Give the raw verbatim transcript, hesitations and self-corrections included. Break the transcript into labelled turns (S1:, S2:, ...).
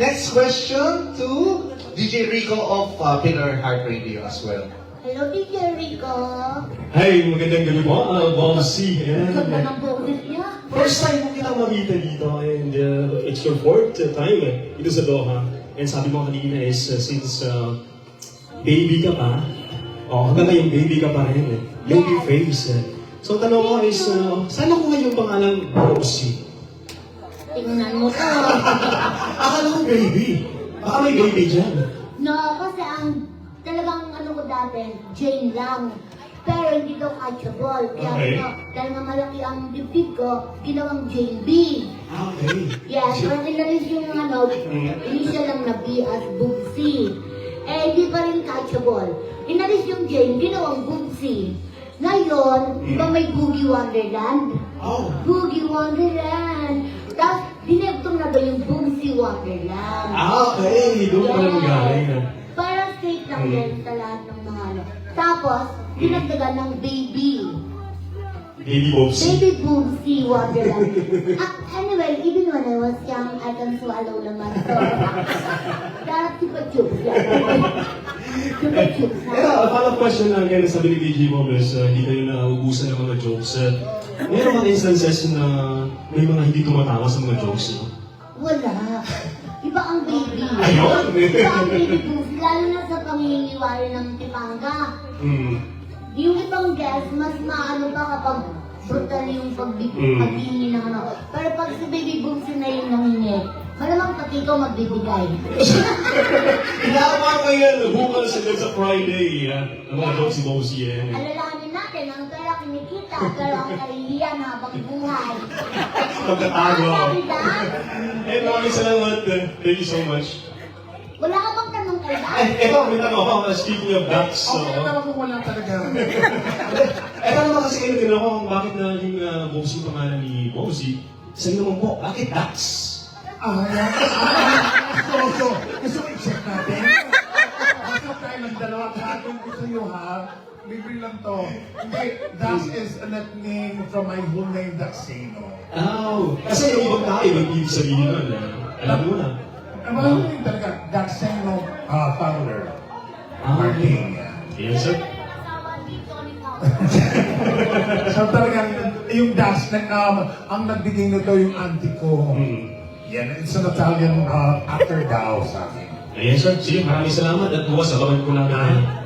S1: Next question to D J Rico of uh, Pillar Heart Radio as well.
S2: Hello, D J Rico.
S3: Hi, magandang gabi po. Uh, Bossy.
S2: Ganda ng boses niya.
S3: First time mo kita makita dito and uh, it's your fourth time eh, dito sa Doha. And sabi mo kanina is uh, since uh, baby ka pa, oh, hanggang ngayon baby ka pa rin eh. Baby face eh. So tanong ko is, uh, saan ako ngayon pangalang Bossy?
S2: Tingnan mo to.
S3: Akala ko baby. Baka may baby dyan.
S2: No, kasi ang talagang ano ko dati, Jane lang. Pero hindi daw catchable. Kaya
S3: Okay.
S2: ano, dahil nga malaki ang dibdib ko, ginawang Jane B.
S3: Ah, okay.
S2: Yes, pero inalis yung ano, initial lang na B as Bubsy. Eh, hindi pa rin catchable. Inalis yung Jane, ginawang Bubsy. Ngayon, di ba may Boogie Wonderland?
S3: Oh.
S2: Boogie Wonderland. Tapos, dineptong na ba yung Bubsy Wonderland?
S3: Ah, okay. Doon pala magaling ah.
S2: Parang straight lang
S3: Mm.
S2: din sa lahat ng mga ano. Tapos, dinagdagan ng baby.
S3: Baby Bossy.
S2: Baby Bubsy Wonderland. Ah, anyway, even when I was young, I can swallow naman. So, darap chupa-chups yan. Chupa-chups
S3: Pero,
S2: na.
S3: a follow-up question lang kaya sabi ni D J Mobles, uh, hindi kayo nauubusan ng mga jokes. Uh, meron mga instances na may mga hindi tumatawa sa mga jokes, no?
S2: Wala. Iba ang baby.
S3: Ayun!
S2: Iba ang baby Bubsy, lalo na sa panginginiwari ng Tipanga.
S3: Mm.
S2: Yung ibang guest, mas maano pa kapag brutal yung pagbi-
S3: Mm.
S2: paghingi ng ano. Pero pag si Baby Boomsy na yung nangingi, malamang pati ikaw magbibigay.
S3: Inawa ko yan, bukas hanggang sa Friday, ha? Ang mga jokes si Bossy, eh.
S2: Alalahanin natin, ang pera kinikita, pero ang kahihiyan habang buhay.
S3: Pagkatago.
S2: Ah, sabi na?
S3: Eh, maraming salamat. uh, Thank you so much.
S2: Wala ka bang tanong kay Dad?
S3: Eh, eto, may tanong ako. uh, Speaking of ducks,
S4: Okay,
S3: uh,
S4: naman kung wala talaga.
S3: eto naman kasi kayo din ako kung bakit na yung uh, Bossy pangalan ni Bossy. Sabi naman po, bakit ducks?
S4: Ah, yan. So, so, gusto ko i-check natin. Basta tayo ng dalawa kahapon gusto nyo ha. Libre lang to. Hindi, Das is a nickname from my whole name, Daxino.
S3: Oh, kasi yung ibang tao, ibang ibig sabihin nun. Uh, alam mo na.
S4: Ang mga whole name talaga, Daxino uh, founder.
S3: Ah,
S4: Martin.
S3: Yes, sir.
S2: Asawa dito ni Pao.
S4: So talagang yung Das, na, um, ang nagbigay nito yung auntie ko.
S3: Hmm.
S4: Yan, it's an Italian uh, actor daw sa akin.
S3: Yes, sir. Sige, maraming salamat at bukas abangan ko lang.